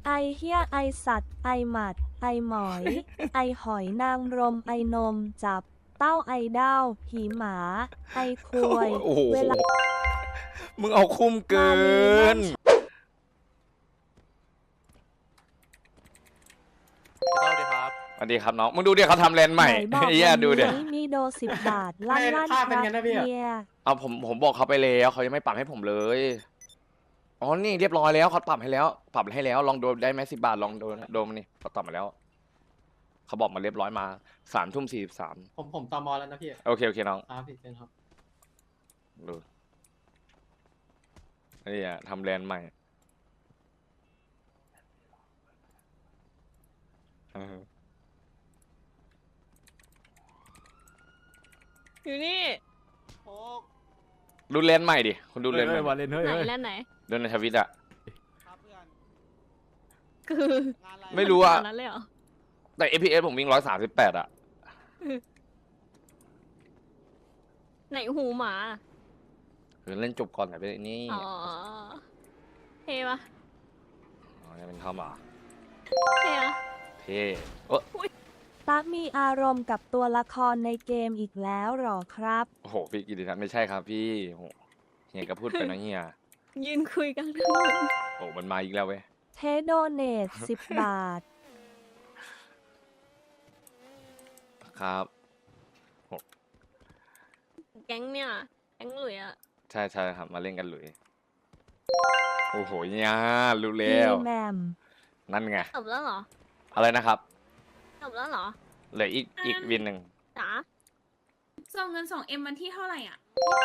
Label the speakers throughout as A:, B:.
A: ไอเฮียไอสัตว์ไอหมัดไอหมอย ไอหอยนางรมไอนมจับเต้าไอเด้าหีหมาไอควย
B: โอ้โห
A: เวลา
B: มึงเอาคุ้มเกิ
A: มาลีแม่
B: น
A: ง
C: สวัสดีครับ
B: สวัสดีครับน้อง มึงดูดิเขาทำแลนด์ใหม่
A: ไหนบอก
B: เฮียดูดิ
A: วันนี้มีโด10 บาทลั่นลั่น
D: ภาพ
A: ค
D: เป็น
A: รับ
D: ไงนะพี่อะ
A: เฮีย
B: เอาผมบอกเขาไปแล้วเขายังไม่ปรับให้ผมเลย อ๋อ นี่เรียบร้อยแล้วเขาปรับให้แล้ว ปรับให้แล้ว ลองโดนได้ไหม10 บาท ลองโดนนี่เขาตอบมาแล้ว เขาบอกมาเรียบร้อยมา3:43
D: ผมตอมอแล้วนะพี่
B: โอเคน้อง
D: ครับพี่เป็นครับ
B: ดูนี่อะทำแลนด์ใหม่เออ
E: อยู่นี่
B: ดูแลนด์ใหม่ดิ คุณดูแลนด์ใหม่
F: วาเลนเฮ้ย
E: ไหน
F: เฮ้ย
E: แล้วไหน
B: ดูในทวิตอะ
E: คือ
B: ไม่รู้อะ
E: ขนาดนั้นเลยเหรอ
B: แต่ FPS ผมวิ่ง138อะ
E: ไหนหูหมา
B: คือเล่นจบก่อนแต่ไปนี่
E: อ๋อเท่ปะ
B: อ๋อยังเป็นทอมเหรอ่ะ
E: เท่อะ
B: เท่โอ้
A: ตามีอารมณ์กับตัวละครในเกมอีกแล้วหรอครับ
B: โหพี่กิติทัศน์ไม่ใช่ครับพี่โหเฮียก็พูดไปนะเฮีย
E: ยืนคุยกันทั้งนน
B: โอ้มันมาอีกแล้วเว้ย
A: เทโดเนต10 บาท
B: ครับ
E: แก๊งเนี่ยแก๊งหลุยอะ
B: ใช่ครับมาเล่นกันหลุยโอ้โหเนี่ยรู้
A: พี
B: แล้ว
A: แมม
B: นั่นไง
E: จบแล้วเหรอ
B: อะไรนะครับ
E: จบแล้วเหรอ
B: เหลืออีกวินหนึ่ง
E: จ๋า
G: ส่งเงิน2Mวันที่เท่าไหร่อ่ะ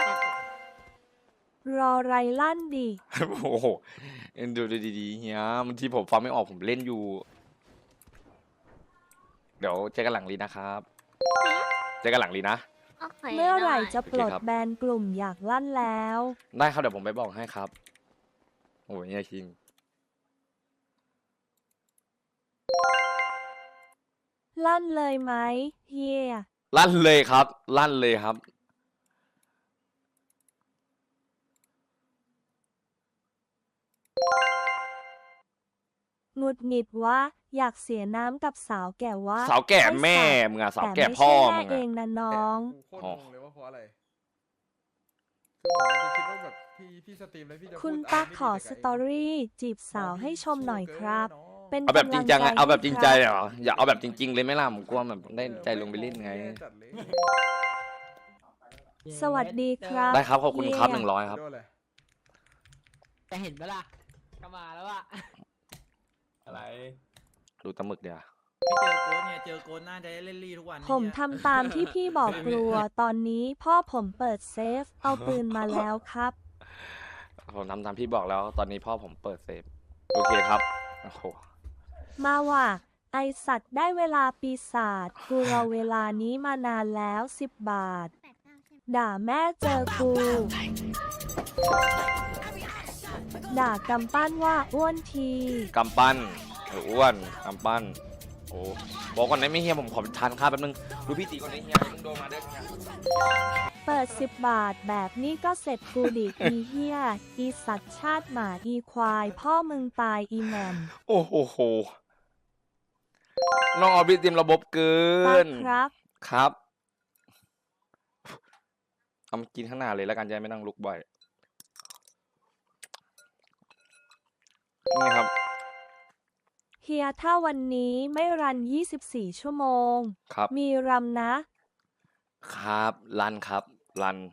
A: รอไรลั่นดิ
B: โอ้โหเอ็นดูดีๆเฮียบางทีผมฟังไม่ออกผมเล่นอยู่ เดี๋ยวเจอกันหลังลีนะครับ เจอกันหลังลีนะ
E: โอเค
A: เมื่อไหร่
E: ด้
A: จะปลด
B: โอเคครับ
A: แบนกลุ่มอยากลั่นแล้ว
B: ได้ครับเดี๋ยวผมไปบอกให้ครับ โอ้ยเฮียคิง
A: ลั่นเลยไหมเฮีย
B: ลั่นเลยครับ ลั่นเลยครับ
A: หงุดหงิดวะอยากเสียน้ำกับสาวแก่วะ
B: สาวแก่
A: ไอ้
B: แม่
A: สัตว์
B: มึงอะสาว
A: แต่
B: แก่
A: ไม่
B: พ่อ
A: ใช่
B: มึ
A: แม่
B: ง
A: เอ
B: อะ
A: งนะน้อง
F: โคตรงงเลยว่าเพราะอะไรคือผมจะคิดว่าแบบพี่สตรีมแล้วพี่จะ
A: คุณ
F: พูด
A: ตั๊ก
F: ไม่
A: ขอ
F: ดี
A: ส
F: แต่กับ
A: ตอรี่จีบสาวให้ชมหน่อยครับ เป็น
B: เอาแบบจริงจังอะ
A: กำลั
B: เอาแบบจริงใจ
A: ให้ค
B: เหรอ อย่าเอาแบบจริง ๆ เลยไหม่ล่ะผมกลัวแบบได้ใจลงไปเล่นไง
F: แย่จัดเลย
A: สวัสดีครับ
B: ได้ครับขอบคุณครับ
A: เฮีย
B: 100ครับ
F: โดนเลย
H: จะเห็นไหมล่ะก็มาแล้วอะ
F: อะไร
B: ดูตะหมึกเดี๋ยว
H: ไม่เจอโค้ดเนี่ยเจอโค้ดน่าจะได้เล่นลี่ทุกวัน
A: ผม
H: เนี่ย
A: ทำตามที่พี่บอกกลัว ตอนนี้พ่อผมเปิดเซฟ เอาปืนมาแล้วครับ
B: ผมทำตามพี่บอกแล้ว ตอนนี้พ่อผมเปิดเซฟ โอเคครับ โอ้โห
A: มาว่ะ ไอสัตว์ได้เวลาปีศาจกูรอเวลานี้มานานแล้ว10 บาท ด่าแม่เจอกู ด่ากำปั้นว่าอ้วนที
B: กำปั้นอ้วนกำปั้น โอ้บอกก่อนนะไม่เฮียผมขอทานข้าวแป๊บนึง ดูพี่ตีก่อนนะเฮียมึงโดนมาด้วยเนี่ย
A: เปิด10 บาทแบบนี้ก็เสร็จกูดิ อีเฮียอีสัตว์ชาติหมาอีควาย พ่อมึงตายอีแหมม
B: โอ้โหน้องออบิสเตรียมระบบเกิ
A: ตาน ครับ
B: ครับเอามากินข้างหน้าเลยแล้วกันจะได้ไม่ต้องลุกบ่อย นี่ครับ
A: เฮียถ้าวันนี้ไม่รัน 24 ชั่วโมง
B: ครับ
A: มีรำนะ
B: ครับรันครับรัน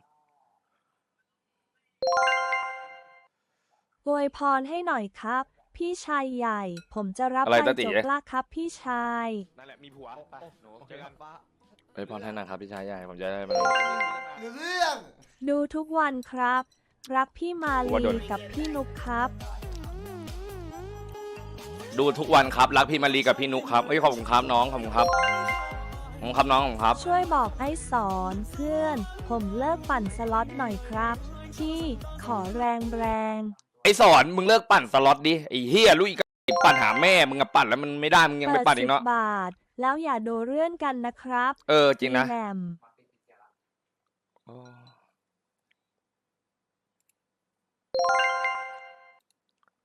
A: อวยพรให้หน่อยครับ พี่ชายใหญ่ ผมจะรับ
B: อะไร
A: ไป
B: ตาติ๋
A: จบละครับพี่ชาย
B: นั่นแหละมีผัวไปหนูเจอกันไปพรให้นะครับพี่ชายใหญ่ผมจะได้มา
A: ดูทุกวันครับ รักพี่มา
B: ว่าโด
A: ลี
B: น
A: กับพี่นุกครับ
B: ดูทุกวันครับรักพี่มารีกับพี่นุกครับเอ้ยขอบคุณครับน้องขอบคุณครับขอบคุณครับน้องขอบคุณครับ
A: ช่วยบอกไอ้สอนเพื่อน ผมเลิกปั่นสล็อตหน่อยครับพี่ขอแรงแรง
B: ไอสอนมึงเลิกปั่นสล็อตดิไอเฮียลูกอีกปั่นหาแม่มึงอะปั่นแล้วมันไม่ได้มึงยังไปปั่นอีกเนาะ
A: 10 บาท แล้วอย่าโดเรื่อนกันนะครับ
B: เออจริงนะ
A: อีแหมม
B: โอ้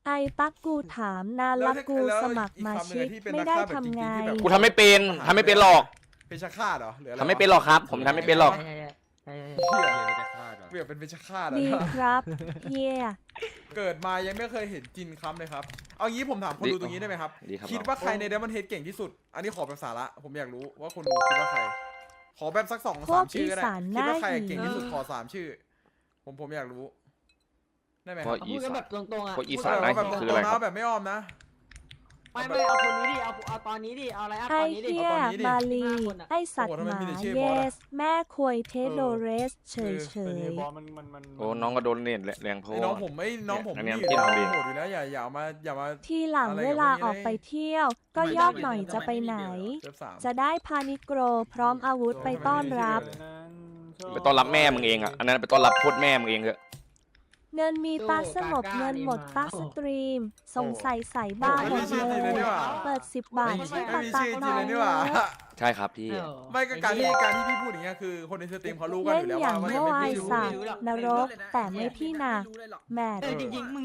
A: ไอ้ตักกูถามนานละกูสมัครมาชิกไม่ได้ทำไง
B: กูทำไม่เป็นทำไม่เป็นหรอก
F: เป็นชาฆาตเหรอหรืออะไร
B: ทำไม่เป็นหรอกครับ ผมทำไม่เป็นหรอก
H: ใช่ใช่
F: เหี้ยเปรียบเป็นเป็นชาฆาตเหรอ
A: ดี
F: เนี่ย
A: ครับเฮีย
F: เกิดมายังไม่เคยเห็นจินค้ำเลยครับเอางี้ผมถามคนดูตรงนี้ได้ไหมครับ
B: ดีครับ
F: คิดว่าใครในเดมอนเฮดเก่งที่สุด อันนี้ขอแบบสาระผมอยากรู้ว่าคนดูคิดว่าใคร ขอแบบสัก
A: พว
F: 2-3
A: ก
F: ชื่อก็ได้
A: อีสาน
F: คิดว่าใคร
A: หน้าหิน
F: เก่งที่สุดขอ3 ชื่อ ผมอยากรู้ได้ไหมค
B: เพ
F: รับ
B: ราะ
H: พูดกันแบบตรงๆอ่ะ
B: พวกอี
F: พูด
B: สาน
F: แบบ
B: นะ
F: ว่าแบบต
B: คือ
F: ร
B: อะไร
F: งๆ
B: ครับ
F: นะแบบไม่อ้อมนะ
H: ไม่เอาคนนี้ดิเอาตอนนี้ดิเอาอะไรอัพ
A: ไอ
H: ตอนนี้ดิ
A: เฮียมาลี ไอสัตว์หมาเยส แม่ควยเทโดเรส เฉยเฉย
B: โอ้น้องก็โดนเน็ตแรงเพราะ
F: ไอ้น้องผมไม่น้องผม
B: อันนี้
F: นี่อยู่แล้ว
B: น้ำจิ้ม
F: โหดอยู่แล้วอย่ามา
A: ทีหลัง
F: อะไร
A: เว
F: กับ
A: ลา
F: พวกนี้
A: ออกไป
F: เลย
A: เที่ยว ก็ยอกหน่อยจะไปไหน
F: เซิร์ฟ3
A: จะได้พานิโกรพร้อมอาวุธไปต้อนรับ
B: ไปต้อนรับแม่มึงเองอ่ะอันนั้นไปต้อนรับโคตรแม่มึงเองเถอะ
A: เงินมีตาสงบเงินหมดตาสตรีม สงสัยใส่บ้าหมดเลย เปิด10 บาท
F: ไม่
A: ช่วย
F: ไม่
A: ปา
F: มี
A: ตา
F: ชื่อจ
A: ห
F: ริ
A: น่
F: ง
A: อ
F: เลย ยนี่หว่า
B: ใช่ครับพี่
F: ไม่ก็การที่พี่พูดอย่างเงี้ยคือคนในสตรีมเขารู้กัน
A: เล่
F: อน ยู่แล้ว
A: อย่าง
F: ว่า
A: เมื่อ
F: ไม่
A: วาย
F: รู้
A: สามนรก แต่ไม่พี่นาแมท
H: จริงๆมึง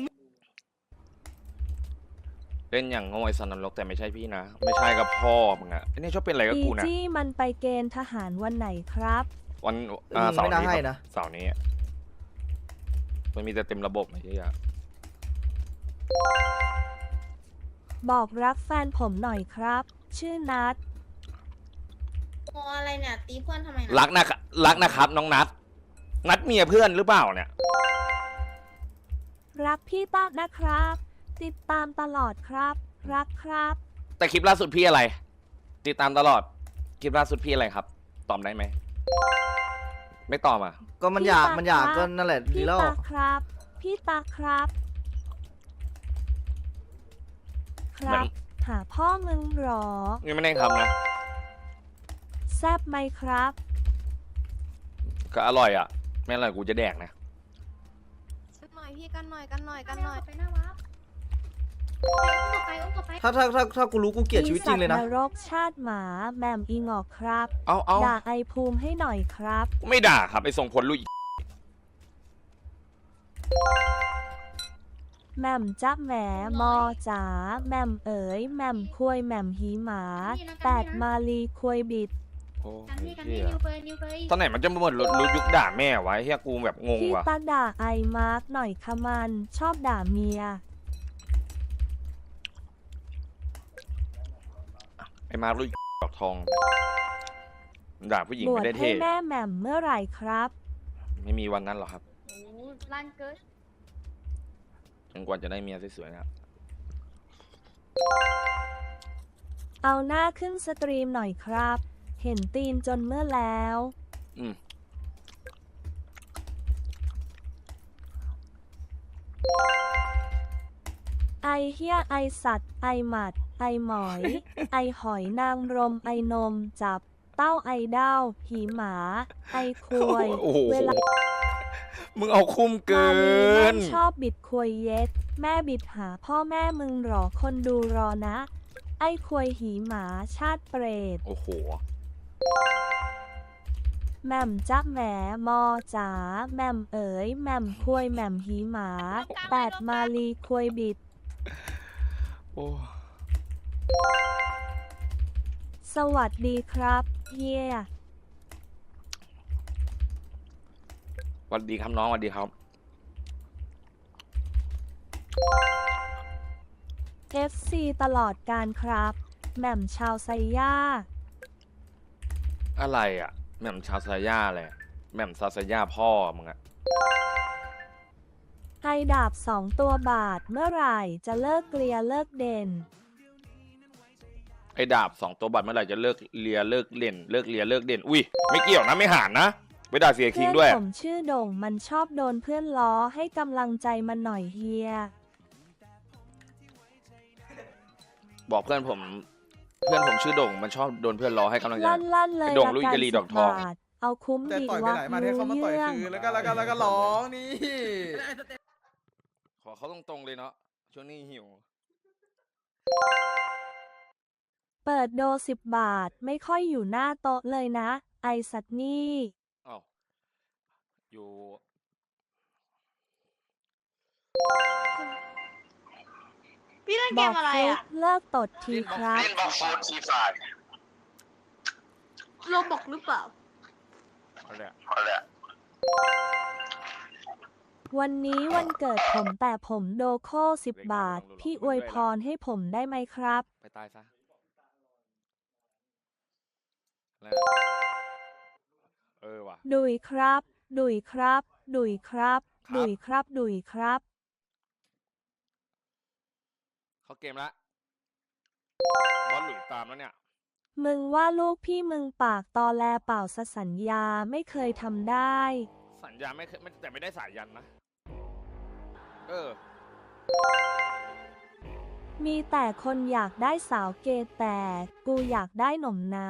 B: เล่นอย่างโง่ไอ้สันนรกแต่ไม่ใช่พี่นะ ไม่ใช่กับพ่อมึงอ่ะไอ้นี่ชอบเป็นอะไรกับ
A: อี
B: กูนะ
A: จี้มันไปเกณฑ์ทหารวันไหนครับ
B: วันเสาร์นี้ครับเสาร์นี้อะมันมีแต่เต็มระบบไอ้เหี้ย
A: บอกรักแฟนผมหน่อยครับ ชื่อนัด
D: โมอะไรเนี่ย ตีเพื่อนทำไมนะ
B: รักนะครับน้องนัดเมียเพื่อนหรือเปล่าเนี่ย
A: รักพี่ตานะครับ ติดตามตลอดครับ รักครับ
B: แต่คลิปล่าสุดพี่อะไร ติดตามตลอดคลิปล่าสุดพี่อะไรครับ ตอบได้ไหมไม่ตอบอ่ะ
I: ก็มัน
A: พี่
I: อยาก
A: ตา
I: มันอยาก
A: ครับ
I: ก็นั่นแหละดี
A: พี่
I: แล้ว
A: ตาครับ พี่ตาครับ ครับ หาพ่อมึงหรอ
B: นี่ไม่ได้ทำนะ
A: แซบไหมครับ
B: ก็อร่อยอ่ะ ไม่อร่อยกูจะแดกนะ
D: กันหน่อยพี่กันหน่อยกันหน่อยกันหน่อย
E: ไปหน้าวับ
D: อุ้มกลับไป
I: ถ้ากูรู้กูเกลียดชีวิตจริงเลยนะ
A: อีสัตว์นรกชาติหมาแหม่มอีงอกครับ
B: เอา
A: ด่าไอภูมิให้หน่อยครับ
B: ไม่ด่าครับไอ้ส่งผลลุย
A: แหม่มจับแหมมอจ๋าแหม่มเอ๋ยแหม่มควยแหม่มหีหมา8มาลีควยบิด
B: โอ้
D: กันพี่กัน
B: เหี้
D: พี่
B: ย
D: นิวเฟยนิวเฟย
B: ตอนไหนมันจะหมดรู้ยุคด่าแม่วะเฮียกูแบบงง
A: พี่
B: ว่ะ
A: ตาด่าไอมาร์กหน่อยค่ะมันชอบด่าเมีย
B: ไอ้มาลุยดอกทอง ด่าผู้หญิง
A: บวช
B: ไม่ได้
A: ให้
B: เท่
A: แม่แหม่มเมื่อไหร่ครับ
B: ไม่มีวันนั้นหรอกครับ
D: โอ้ลั่นเกิน
B: จนกว่าจะได้เมียสวยๆนะครับ
A: เอาหน้าขึ้นสตรีมหน่อยครับ เห็นตีนจนเมื่อแล้ว
B: อืม
A: ไอเฮียไอสัตว์ ไอหมัด ไอหมอย ไอหอยนางรม ไอนม จับ เต้าไอเด้าหีหมา ไอควย
B: โอ้โห
A: เวลา
B: มึงเอาคุ้มเกิ
A: มาลีแม่
B: น
A: งชอบบิดควยเย็ด แม่บิดหาพ่อแม่มึงหรอคนดูรอนะ ไอควยหีหมาชาติเปรต
B: โอ้โห
A: แหม่มจับแหมมอจ๋าแหม่มเอ๋ยแหม่มควยแหม่มหีหมา8มาลีควยบิด
B: โอ้
A: สวัสดีครับเฮีย
B: สวัสดีครับน้องสวัสดีครับ
A: FC ตลอดการครับแหม่มชาวไซย่า
B: อะไรอ่ะแหม่มชาวซาย่าอะไรแหม่มซาซาย่าพ่อมึงอะ
A: ไอดาบ2 ตัวบาทเมื่อไหร่จะเลิกเกลียเลิกเด่น
B: ไอ้ดาบ2 ตัวบัตรเมื่อไหร่จะเลิกเลียเลิกเล่นเลิกเลียเลิกเด่นอุ้ยไม่เกี่ยวนะไม่หานนะไปด่าเสียคิ
A: เพื่
B: ง
A: อน
B: ด้วย
A: ผมชื่อโด่งมันชอบโดนเพื่อนล้อให้กำลังใจมันหน่อยเฮีย
B: บอกเพื่อนผมชื่อโด่งมันชอบโดนเพื่อนล้อให้กำลังใจ
A: ลั่นเลย
B: ไอ้โด่ง
A: ละ
B: ลุย
A: กัน
B: กะลีดอกทอง
A: 10 บาท เอาคุ้ม
F: แต่
A: ดี
F: ต่อยไป
A: วะ
F: ไหนมาให้เขามาต่อย
A: เรื่อง
F: คืนแล้วก็ร้องนี่
B: ขอเขาตรงๆเลยเนาะช่วงนี้หิว
A: เปิดโด10 บาทไม่ค่อยอยู่หน้าโต๊ะเลยนะ ไอสัตว์นี่
B: อ้าวอยู่
D: พี่เล่น
A: บ
D: เก
A: อ
D: ม
A: ก
D: อะไร
A: ฟลุก
D: อ่ะ
A: เลิกตดทีครับ
D: โลบอกหรือเปล่า
A: วันนี้วันเกิดผมแต่ผมโดโค่10 บาท พี่อวยพรให้ผมได้ไหมครับ
B: ไปตายซะอะไรว่ะ
A: ดุยครับ ดุยครับ ดุยครับ
B: ครับ
A: ดุยครับ ดุยครับ
B: เขาเกมละบอลหลุยตามแล้วเนี่ย
A: มึงว่าลูกพี่มึงปากตอแลเปล่าสสัญญาไม่เคยทำได้
B: สัญญาไม่เคยแต่ไม่ได้สายยันนะ
A: มีแต่คนอยากได้สาวเกย์แต่กูอยากได้หน่มน้า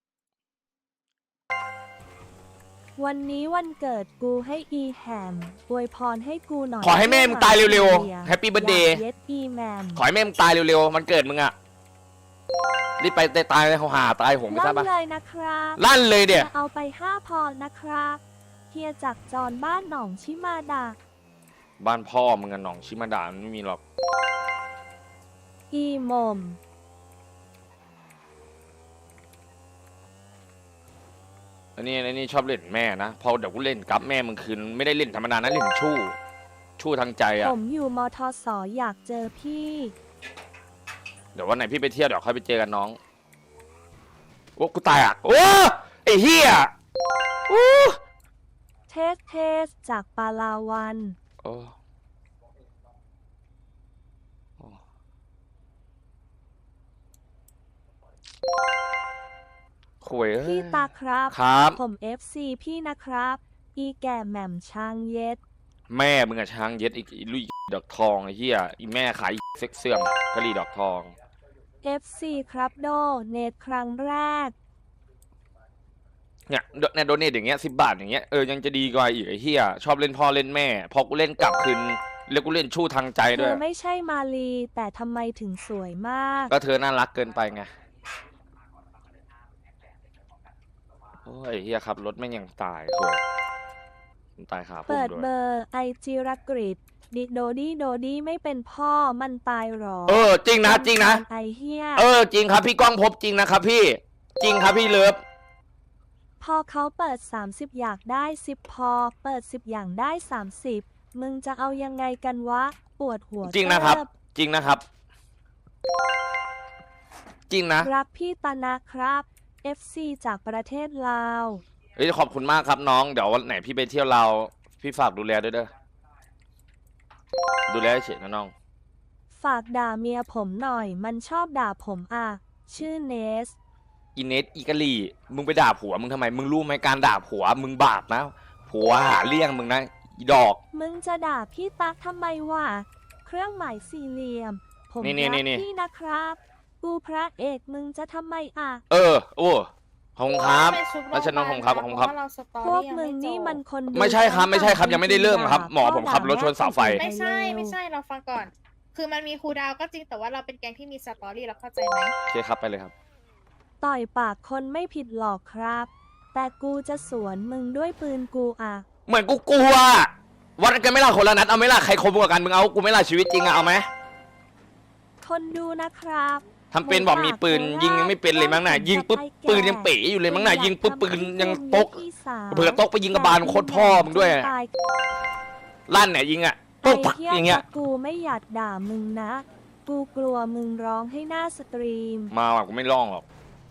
A: วันนี้วันเกิดกูให้อีแฮมอวยพรให้กูหน่อย
B: ขอให้แม่มึงตายเร็วๆ Happy Birthday
A: เย็ดอีแมม
B: ขอให้แม่มึงตายเร็วๆ มันเกิดมึงอะรีบไปตายเลยเขาหาตายหงไม่ทราบ
A: ลั่
B: ปะ
A: นเลยนะครับ
B: ลั่นเลยเดี๋ย
A: เอาไป5 พอนะครับเฮียจากจรบ้านหนองชิมาดา
B: บ้านพ่อมึงอะหนองชิมาดามันไม่มีหรอก
A: อีมม
B: อันนี้ชอบเล่นแม่นะ พอเดี๋ยวกูเล่นกับแม่มึงคืนไม่ได้เล่นธรรมดานะเล่นชู้ทางใจอะ
A: ผมอยู่มทสอยากเจอพี่
B: เดี๋ยววันไหนพี่ไปเที่ยวเดี๋ยวค่อยไปเจอกันน้อง โอ้กูตายอะโอ้ไอ้เหี้ยโอ้
A: เทสจากปาลาวัน
B: โอ้คุย
A: พี่ตาครับ
B: ครับ
A: ผม FC พี่นะครับ อีแก่แหม่มช้างเย็ด
B: แม่มึงอะช้างเย็ดอีลุยดอกทองไอ้เหี้ยอีแม่ขายเซ็กเสื่อมกะหรี่ดอกทอง
A: FC ครับโดเนตครั้งแรก
B: เนี่ยโดเนทอย่างเงี้ย10 บาทอย่างเงี้ยยังจะดีกว่าอีกไอ้เหี้ยชอบเล่นพ่อเล่นแม่พอกูเล่นกลับคืนแล้วกูเล่นชู้ทางใจ
A: เธ
B: ด้วย
A: อไม่ใช่มาลี แต่ทำไมถึงสวยมาก
B: ก็เธอน่ารักเกินไปไงโอ้ยเหี้ยขับรถแม่งยังตายคุยมันตายขาพุ่ม
A: เปิด
B: ด้วย
A: เบอร์ไอจิรกฤษดิโดดี้ไม่เป็นพ่อมันตายหรอ
B: จริงนะจริงนะ
A: ไอเฮีย
B: จริงครับพี่ก้องพบจริงนะครับพี่จริงครับพี่เลิฟ
A: พอเขาเปิด30อยากได้10พอเปิด10อย่างได้30มึงจะเอายังไงกันวะปวดหัว
B: จริงนะครับ
A: เติบ
B: จริงนะครับ จริงนะ
A: รักพี่ตานะครับ FC จากประเทศลาว
B: ขอบคุณมากครับน้องเดี๋ยววันไหนพี่ไปเที่ยวเราพี่ฝากดูแลด้วยเด้อดูแลเฉยนะน้อง
A: ฝากด่าเมียผมหน่อย มันชอบด่าผมอ่ะ ชื่อเนส
B: อีเนสอีกะลีมึงไปด่าผัวมึงทำไมมึงรู้ไหมการด่าผัวมึงบาปนะผัวหาเลี้ยงมึงนะอีดอก
A: มึงจะด่าพี่ตั๊กทำไมวะ เครื่องหมายสี่เหลี่ยม ผม
B: นี่
A: รัก
B: นี่
A: พี่นะครับ กูพระเอกมึงจะทำไมอ่ะ
B: โอ้ขอบคุณครับ
D: ไปชุบ
B: รัชนนท์ขอบคุณครับขอบคุณครับ
D: เพาะว่าเราสตอ
A: พวก
D: รี่ยัง
A: มึง
D: ไจ
A: นี่
D: บ
A: มันคนดู
B: ไม่ใช่ครับไม่ใช่ครับยังไม่ได้เริ่มครับหมอ
A: ด่า
B: ผมขับรถชนเสาไฟ
A: ด่
D: ไม่ใช่
A: เร็ว
D: ไม่ใช่เราฟังก่อน คือมันมีครูดาวก็จริงแต่ว่าเราเป็นแก๊งที่มีสตอรี่เราเข้าใจไหม
B: โอเคครับไปเลยครับ
A: ต่อยปากคนไม่ผิดหรอกครับ แต่กูจะสวนมึงด้วยปืนกูอ่ะ
B: เหมือนกูกลัววัดกันไม่ล่ะคนละนัดเอาไหม่ล่ะใครคมกว่ากันมึงเอากูไม่ล่ะชีวิตจริงอะเอาไหม
A: คนดูนะครับ
B: ทำเป็นบอกมีปืนยิงยังไม่เป็นเลยมั้งน่ะยิงปุ๊บปืนยังเป๋อยู่เลยมั้งน่ะยิงปุ๊บปืนยังตกเผื่อตกไปยิงกระบาลโคตรพ่อมึงด้วย
A: ตาย
B: ลั่นเนี่ยยิงอะ
A: ไอ้
B: ปุ๊บปัก
A: เหี้ย
B: อย่างเงี้ย
A: ถ้ากูไม่อยากด่ามึงนะ กูกลัวมึงร้องให้หน้าสตรีม
B: มาว่ะกูไม่ร้องหรอก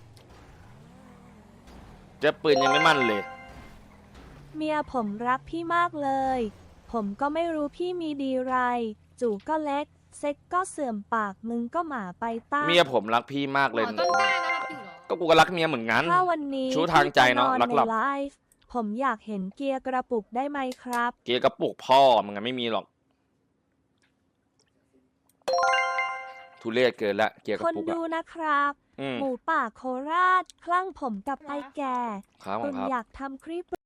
B: เจะปืนยังไม่มั่นเลย
A: เมียผมรักพี่มากเลย ผมก็ไม่รู้พี่มีดีไร จู่ก็เล็ก เซ็กก็เสื่อมปากมึงก็หมาไปต้า
B: เมียผมรักพี่มากเลย
G: ต้นกล้านะครับจริงเหรอ
B: ก็กูก็รักเมียเหมือนกัน
A: ถ้าวันนี้
B: ชู้ทางใจเนอะ
A: พี่จ
B: รักหลับ
A: ในไลฟ์ผมอยากเห็นเกียร์กระปุกได้ไหมครับ
B: เกียร์กระปุกพ่อมึงอะไม่มีหรอกทุเรศเกินละเกียร์ก
A: ค
B: ระ
A: น
B: ปุก
A: ดู
B: อะ
A: นะครับ
B: อืม
A: หมูป่าโคราช คลั่งผมกับไอแก่
B: ครับผ
A: คุ
B: ม
A: ณ
B: ครับ
A: อยากทำคลิป